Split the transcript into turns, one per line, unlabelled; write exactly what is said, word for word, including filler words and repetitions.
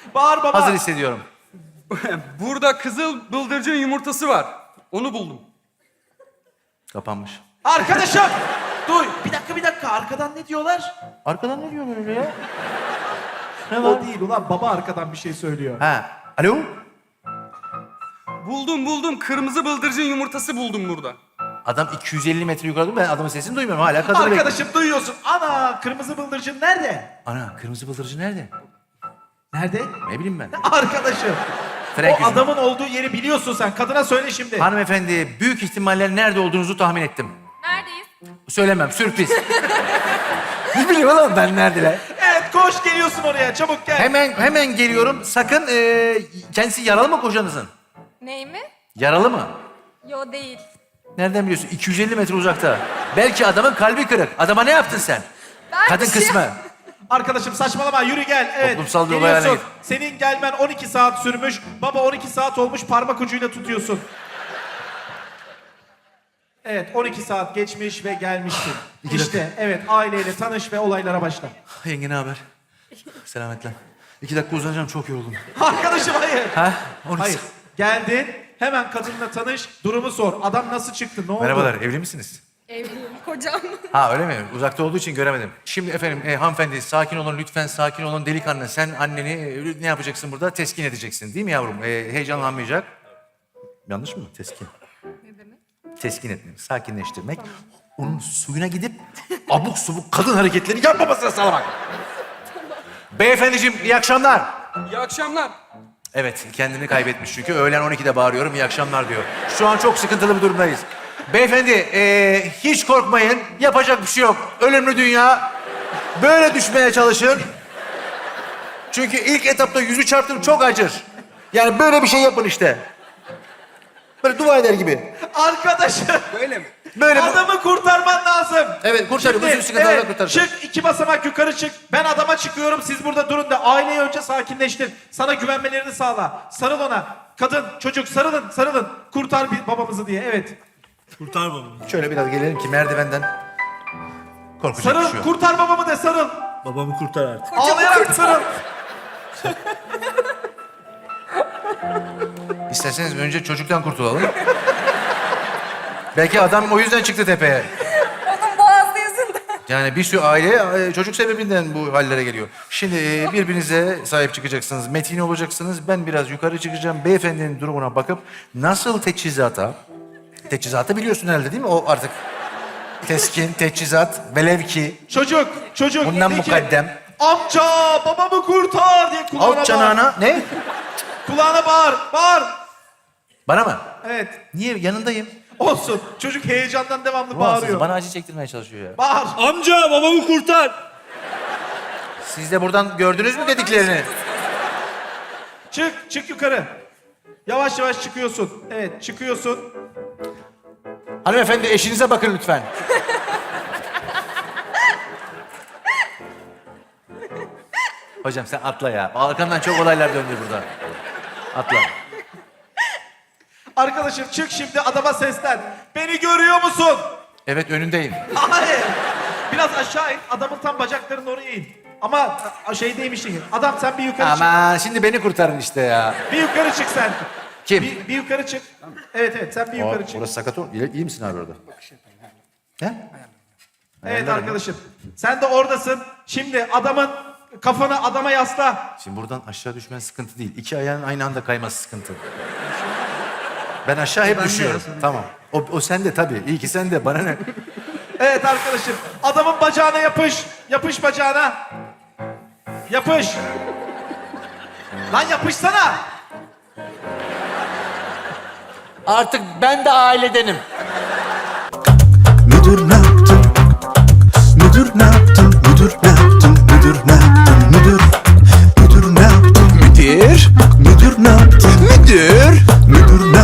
Bağır baba.
Hazır hissediyorum.
Burada kızıl bıldırcın yumurtası var. Onu buldum.
Kapanmış.
Arkadaşım. Duy. Bir dakika bir dakika. Arkadan ne diyorlar?
Arkadan ne diyor böyle ya? Ne var?
O değil ulan. Baba arkadan bir şey söylüyor.
Ha. Alo?
Buldum buldum. Kırmızı bıldırcın yumurtası buldum burada.
Adam iki yüz elli metre yukarıda, ben adamın sesini duymuyorum hala. Kadını bekliyorum.
Arkadaşım duyuyorsun. Ana kırmızı bıldırcın nerede?
Ana, kırmızı bıldırcın nerede?
Nerede?
Ne bileyim ben.
Arkadaşım.
Frank
o
yüzünden.
adamın olduğu yeri biliyorsun sen. Kadına söyle şimdi.
Hanımefendi, büyük ihtimalle nerede olduğunuzu tahmin ettim.
Neredeyiz?
Söylemem, sürpriz. Ne bileyim oğlum ben neredeler?
Evet koş geliyorsun oraya. Çabuk gel.
Hemen hemen geliyorum. Sakın e, kendisi yaralı mı kocanızın?
Ney mi?
Yaralı mı?
Yo değil.
Nereden biliyorsun? iki yüz elli metre uzakta. Belki adamın kalbi kırık. Adama ne yaptın sen?
Ben
Kadın
bir şey-
kısmı.
Arkadaşım saçmalama yürü gel. Evet.
Toplumsal bir olay
geliyorsun.
haline git.
Senin gelmen on iki saat sürmüş. Baba on iki saat olmuş parmak ucuyla tutuyorsun. Evet on iki saat geçmiş ve gelmişsin.
İki
işte evet aileyle tanış ve olaylara başla.
Yenge ne haber? Selametle. İki dakika uzanacağım, çok yoruldum.
Arkadaşım hayır.
Ha? on iki
Hayır. Geldin hemen kadınla tanış durumu sor. Adam nasıl çıktı ne oldu?
Merhabalar, evli misiniz?
Evliyim. Kocam.
Ha öyle mi? Uzakta olduğu için göremedim. Şimdi efendim e, hanımefendi sakin olun lütfen, sakin olun delikanlı. Sen anneni e, ne yapacaksın burada? Teskin edeceksin değil mi yavrum? E, heyecanlanmayacak. Yanlış mı? Teskin.
Ne demek?
Teskin etmek, sakinleştirmek. Onun suyuna gidip abuk subuk kadın hareketleri yapmamasına sağlamak. Beyefendiciğim iyi akşamlar.
İyi akşamlar.
Evet, kendini kaybetmiş çünkü. Öğlen on ikide bağırıyorum, iyi akşamlar diyor. Şu an çok sıkıntılı bir durumdayız. Beyefendi, ee, hiç korkmayın. Yapacak bir şey yok. Ölümlü dünya. Böyle düşmeye çalışın. Çünkü ilk etapta yüzü çarptım, çok acır. Yani böyle bir şey yapın işte. Böyle dua eder gibi.
Arkadaşım.
Böyle mi?
Böyle bu-
Adamı kurtarman lazım.
Evet, kurtarın.
Şimdi,
Bütün sıkıntılardan
evet,
kurtaracağım.
çık iki basamak yukarı çık. Ben adama çıkıyorum siz burada durun da aileyi önce sakinleştir. Sana güvenmelerini sağla. Sarıl ona. Kadın, çocuk sarılın, sarılın. Kurtar bir babamızı diye evet.
Kurtar babamı.
Şöyle biraz gelelim ki merdivenden korkacak bir
Sarıl,
şey yok.
kurtar babamı de sarıl.
Babamı kurtar artık.
Ağlayarak sarıl.
İsterseniz önce çocuktan kurtulalım. Belki adam o yüzden çıktı tepeye.
Onun boğazı yüzünden.
Yani bir sürü aile e, çocuk sebebinden bu hallere geliyor. Şimdi e, birbirinize sahip çıkacaksınız, metin olacaksınız. Ben biraz yukarı çıkacağım. Beyefendinin durumuna bakıp nasıl teçhizata... Teçhizatı biliyorsun herhalde değil mi? O artık teskin, teçhizat, velev ki...
Çocuk, çocuk.
Bundan
de ki,
mukaddem.
Amca babamı kurtar diye kulağına
Alt
bağır.
canağına... Ne?
Kulağına bağır, bağır.
Bana mı?
Evet.
Niye? Yanındayım.
Olsun. Çocuk heyecandan devamlı
Bağırıyor.
bağırıyor.
Bana acı çektirmeye çalışıyor ya.
Bağır.
Amca babamı kurtar.
Siz de buradan gördünüz mü dediklerini?
Çık, çık yukarı. Yavaş yavaş çıkıyorsun. Evet, çıkıyorsun.
Hanımefendi eşinize bakın lütfen. Hocam sen atla ya. Arkandan çok olaylar döndü burada. Atla.
Arkadaşım çık şimdi adama seslen. Beni görüyor musun?
Evet önündeyim.
Hayır. Biraz aşağı in. Adamın tam bacaklarının oraya in. Ama a- şeydeymiş gibi. Adam sen bir yukarı çık.
Aman şimdi beni kurtarın işte ya.
Bir yukarı çık sen.
Kim?
Bir, bir yukarı çık. Evet evet sen bir yukarı çık.
Orası sakat ol. İyi, iyi misin abi orada? He?
Evet arkadaşım. Sen de oradasın. Şimdi adamın kafanı adama yasla.
Şimdi buradan aşağı düşmen sıkıntı değil. İki ayağın aynı anda kayması sıkıntı. Ben aşağı hep düşüyorum. Tamam. O, o sende tabii. İyi ki sende. Bana ne?
Evet arkadaşım. Adamın bacağına yapış. Yapış bacağına. Yapış. Lan yapışsana.
Artık ben de ailedenim.
Müdür ne yaptın? Müdür ne yaptın? Müdür ne yaptın? Müdür ne yaptın? Müdür Müdür ne yaptın? Müdür Müdür ne yaptın? Müdür Müdür